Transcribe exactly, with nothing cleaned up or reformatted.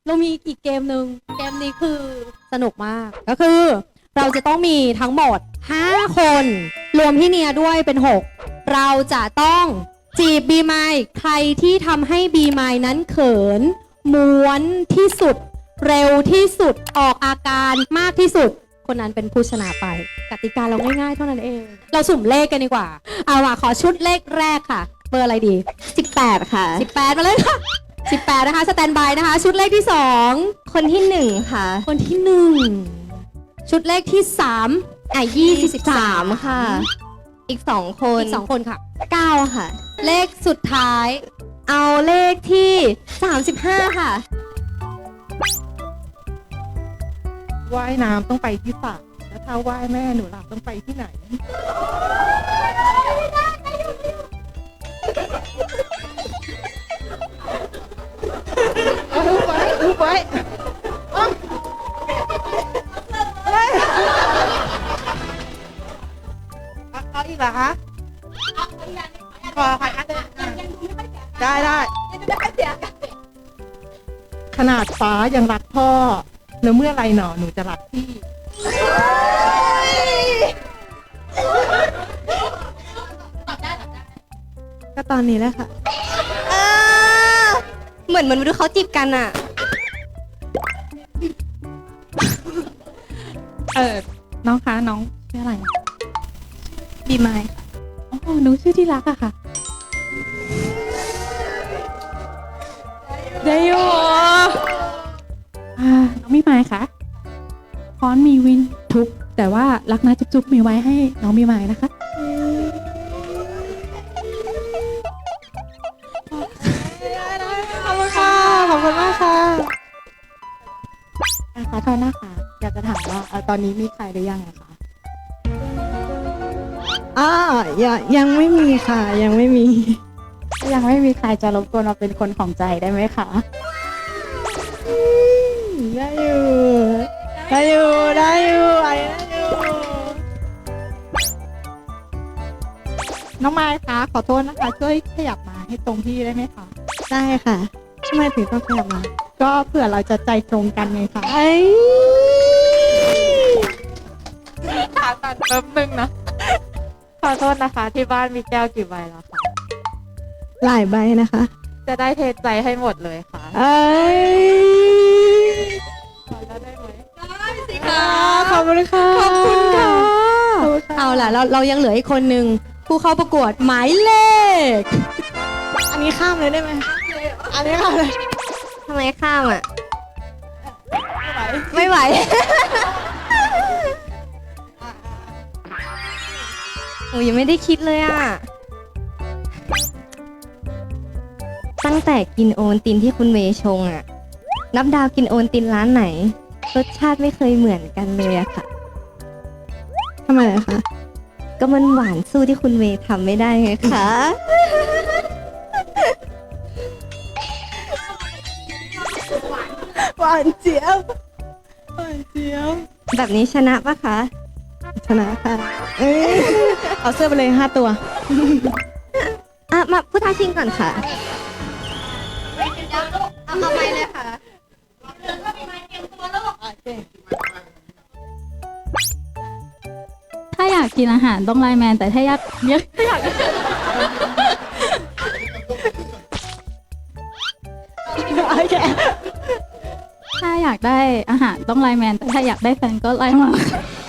เรามีอีกเกมหนึ่งเกมนี้คือสนุกมากก็คือเราจะต้องมีทั้งหมดห้าคนรวมพี่เนียด้วยเป็นหกเราจะต้องจีบบีไมค์ใครที่ทำให้บีไมค์นั้นเขินม้วนที่สุดเร็วที่สุดออกอาการมากที่สุดคนนั้นเป็นผู้ชนะไปกติกาเราง่ายๆเท่านั้นเองเราสุ่มเลขกันดีกว่าเอาล่ะขอชุดเลขแรกค่ะเบอร์อะไรดีสิบแปดค่ะสิบแปดมาเลยค่ะสิบแปดนะคะสแตนบายนะคะชุดเลขที่สองคนที่หนึ่งค่ะคนที่หนึ่งชุดเลขที่สามอ่ะยี่สิบสามค่ะอีกสองคนอีกสองคนค่ะเก้าค่ะเลขสุดท้ายเอาเลขที่สามสิบห้าค่ะว่ายน้ำต้องไปที่สระแล้วถ้าว่ายแม่หนูหลับต้องไปที่ไหนอุบไว้อุบไว้เอาอีกเหรอคะขอค่ะได้ได้ขนาดฟ้ายังรักพ่อแล้วเมื่อไรหนอหนูจะรักพี่ก็ตอนนี้แหละค่ะเหมือนมันดูเขาจีบกันอ่ะเออน้องคะน้องชื่ออะไรบีไมค์อ๋อหนูชื่อที่รักอะค่ะได้อยู่อ่าน้องบีไมค์คะพร้อนมีวินทุกแต่ว่ารักนะจุ๊บๆมีไว้ให้น้องบีไมค์นะคะขอบคุณค่ะขอบคุณมากค่ะขอโทษนะคะอยากจะถามว่าตอนนี้มีใครหรือยังอะคะอ่ายังยังไม่มีค่ะยังไม่มียังไม่มีใครจะรบกวนมาเป็นคนของใจได้ไหมคะได้อยู่ได้อยู่ได้อยู่ไอ้ได้อยู่น้องไม้คะขอโทษนะคะช่วยขยับมาให้ตรงที่ได้ไหมคะได้ค่ะทำไมถึงต้องขยับมาก็เผื่อเราจะใจตรงกันไงคะไอ้ขาตัดแป๊บนึงนะขอโทษนะคะที่บ้านมีแก้วกี่ใบแล้วคะหลายใบนะคะจะได้เทใจให้หมดเลยค่ะเอ้ยขอแล้วได้ไหมได้สิค่ะขอบคุณค่ะขอบคุณค่ะเอาล่ะเราเรายังเหลืออีกคนนึงผู้เข้าประกวดหมายเลขอันนี้ข้ามเลยได้ไหมอันนี้ข้ามเลยทำไมข้ามอ่ะไม่ไหวโอ้ยังไม่ได้คิดเลยอ่ะตั้งแต่กินโอนตินที่คุณเมย์ชงอ่ะนับดาวกินโอนตินร้านไหนรสชาติไม่เคยเหมือนกันเลยอะค่ะทำไมอะคะก็มันหวานสู้ที่คุณเมย์ทำไม่ได้ไงคะหวานเจี๊ยบหวานเจี๊ยบแบบนี้ชนะปะคะชนะค่ะเอ้ยเอาเสื้อไปเลยห้าตัวอ่ะมาผู้ท้าชิงก่อนค่ะเอาเอาไปเลยค่ะถ้าอยากกินอาหารต้องไลน์แมนแต่ถ้าอยากเยอะถ้าอยากถ้าอยากได้อาหารต้องไลน์แมนแต่ถ้าอยากได้แฟนก็ไลน์มา